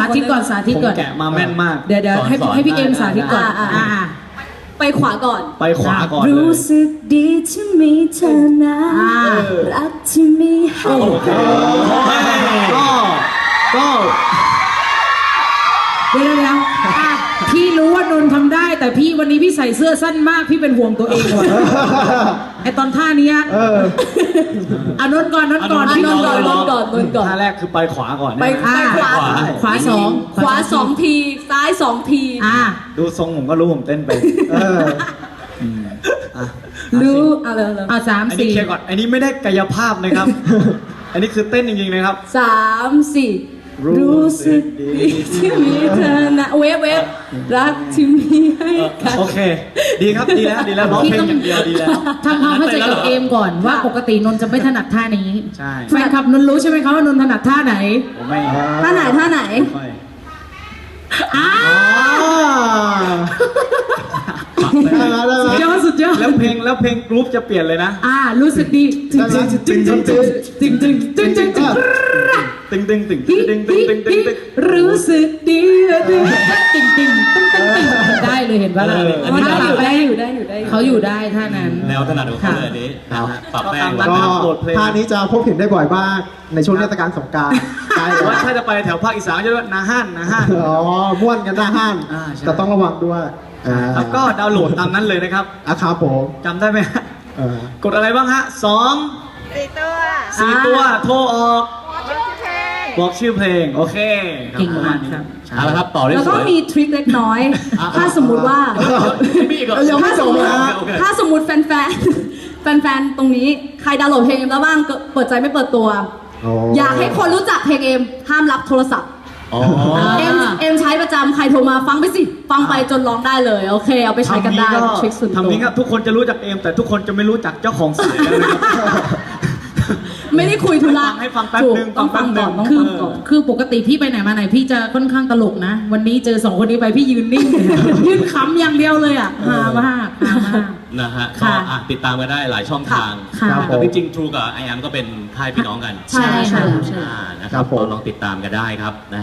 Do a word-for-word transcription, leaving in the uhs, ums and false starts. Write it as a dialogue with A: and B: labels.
A: ธิตก่อนสาธิต
B: ผม
A: ก่อน
B: แกะมาแม่นมาก
A: เดี๋ยวเดี๋ยวให้
C: สอนๆ
A: ให้พี่เอ็มสาธิตก่อน
D: อ่าอ่า
A: อ่า
D: ไปขวาก่อน
B: ไปขวาก่อนเลย
D: รู้สึกดีที่มีเธอนะ
A: อ่า
D: รักที่มีให้
B: โอเคก็ก็
A: เดี๋ยวเดี๋ยวอ่ะพี่รู้ว่านนท์ทำได้ แต่พี่วันนี้พี่ใส่เสื้อสั้นมากพี่เป็นห่วงตัวเองว่ะไอตอนท่าเนี้ย
E: เออ
A: อ่ะนนท์ก่อนนนท์ก่อน
D: อ่ะ
A: พี่
D: น
A: น
D: น
A: น
D: ท์
A: ท์
D: ก่
A: ก่
D: อ
A: อน น
D: นนท์ก่อนนนท์ก่อน
B: ท่าแรกคือไปขวาก่อน
D: ไป
B: นะ
D: ไปขวา
A: ขวาสอง
D: ขวาสองทีซ้ายสองที
A: อ่า
B: ดูทรงผมก็รู้ผมเต้นไป
E: เออ
B: อ่ะ
D: รู้เอาเลยเลย
A: อ่ะสาม
B: อันนี้
A: สี่
B: เคลียร์ก่อนอันนี้ไม่ได้กายภาพนะครับ อันนี้คือเต้นจริงๆนะครับ
D: สามสี่
B: รู้
D: รู้
B: สึ
D: สึ
B: ก
D: ก
B: ดี
D: ดีที่มีเธอนะเวฟเวฟรักที่มีให้กัน
B: โอเค ดีครับดีแล้วดีแล้วร้องเพลงอย่างเดียวดีแล้ว
A: ทำความเข้าใจกับเอมก่อนว่าปกตินนท์จะไม่ถนัดท่านี้
B: ใช่
A: แฟนคลับนนท์รู้ใช่ไหมคะว่านนท์ถนัดท่าไหน
B: ผมไม่
D: ท่าไหนท่าไหน
B: ไม่
A: อ้า
E: ได้แล้วได้
A: สุดย
E: แล้ว
A: อดสุดยอด
B: แล้วเพลงแล้วเพลงกรุ๊ปจะเปลี่ยนเลยนะ
A: อ่ารู้สึกดีจึงจึงจึงจึงจึงจึงจึงจึงจึงจึง
B: ตึงตึงตึงตึงตึงตึงตึงตึงตึง
A: รู้สึกดีตึงตึงตึงตึงตึงตึงได้เลยเห็นปะล่ะ
C: อันนี้
A: ท่า
D: ได้
A: ป
D: อ
A: รับ
D: ยู่
A: แป้
D: ได้
A: ง
D: อยู่ได้อยู่ได้อยู่
A: เขาอยู่ได้ท่านั้น
C: แนวถนัดของเขาเลยอันนี้นะฮะปรับแป้ง
B: ก็
E: ก็
B: ตาม โหลดเพลง
E: ท่านี้จะพบเห็นได้บ่อยมากในช่วงเทศกาลสงกรานต์ใช่
B: แต่
E: แล้ว
B: ว่าถ้าจะไปแถวภาคอีสานก็จะเรียกว่านาฮั่นนาฮั่น
E: อ๋อม่วนกันหน้าห้าน
B: อ่าใช่
E: แต่ต้องระวังด้วยอ่า
B: แล้วก็ดาวน์โหลดตามนั้นเลยนะครับ
E: อ่ะครับผม
B: จำได้ไหมฮะ
E: เออก
B: ดอะไรบ้างฮะสอง
F: สี่ตัว
B: สี่ตัวโทรออก
F: ชื่อเพลง
B: บอกชื่อเพลง โอเคครับ
A: เก่งมากครับ
C: เอาละครับต่อได้
D: แล้ว
C: ส
D: ก็
C: วย
D: มีทริคเล็กน้อย ถ้าสมมุติว่า
C: มีอีกเหรอ
E: ยังไม่จบนะ
C: โอเค
D: ถ้าสมมติแฟนแฟนแฟนแฟนๆ ตรงนี้ใครดาวน์โหลดเพลงเอ็มแล้วบ้างก็เปิดใจไม่เปิดตัว
E: โอ้
D: อยากให้คนรู้จักเพลงเอ็มห้ามรับโทรศัพท์
C: อ๋อ
D: เอ็มเอ็มใช้ประจำใครโทรมาฟังไปสิ ฟังไปจนร้องได้เลย โอเค เอาไปใช้กันได้
B: ทำ
D: ทริคส่วนตัว
B: ทำนี้ครับทุกคนจะรู้จักเอมแต่ทุกคนจะไม่รู้จักเจ้าของเสียงนะครับ
D: ไม่ได้คุยธุระ
B: ฟังให้ฟังแป๊บ
D: ถูก
B: นึง
D: ต้องฟัง
B: ฟังแป๊
D: ก่อบ น
B: นึง
D: ต้อง
A: คือ
D: ฟังก่อน
A: คือปกติพี่ไปไหนมาไหนพี่จะค่อนข้างตลกนะ วันนี้เจอสองคนนี้ไปพี่ยืนนิ่ง ยืนขำอย่างเดียวเลยอ่ะฮามากฮามาก
C: นะฮะก็
A: ค่ะ
C: อ่ะติดตามกันได้หลายช่องทาง
A: ค่ะ
E: ครับผ
C: แต่
E: ม
C: จริงๆ True กับ ไอ แอม ก็เป็นค่ายพี่น้องกัน
D: ใช่ใช่
A: ใช่
C: อ่านะค
E: ครั
C: รับบ
E: ผม
C: ลองติดตามกันได้ครับนะ